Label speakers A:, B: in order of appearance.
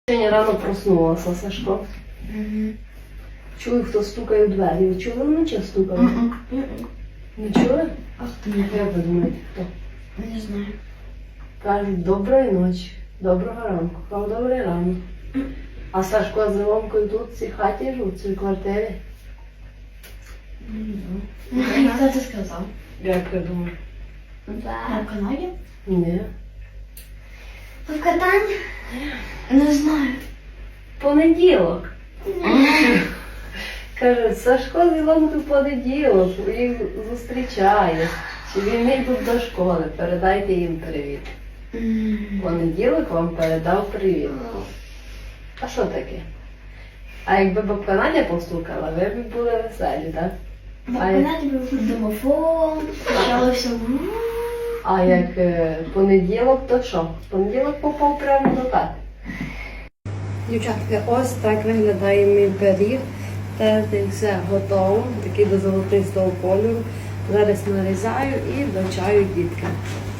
A: Сьогодні рано проснулася, Сашко. Чую, хто стукає в двері. Ви чули вночі стукали? Не чули? Як ви думаєте, хто?
B: Не знаю.
A: Кажуть, доброї ночі, доброго ранку. Кажу, добрий ранок. А Сашко з Ілонкою тут в цій хаті живуть, в цій квартирі?
B: Хто це сказав?
A: Як ви думаєте?
B: В Канаді?
A: Ні.
B: В Катані? Не знаю.
A: Понеділок. Каже, Сашко з Ілонкою в понеділок, їх зустрічає. Чи він не йдуть до школи, передайте їм привіт. Понеділок вам передав привіт. А що таке? А якби бабка Надя постукала, ви б були веселі, так?
B: В Канаді був домофон, почалося.
A: А як понеділок, то що? Понеділок попав прямо до хати. Дівчатки, ось так виглядає мій пиріг. Те все готово, такий до золотистого кольору. Зараз нарізаю і до чаю діткам.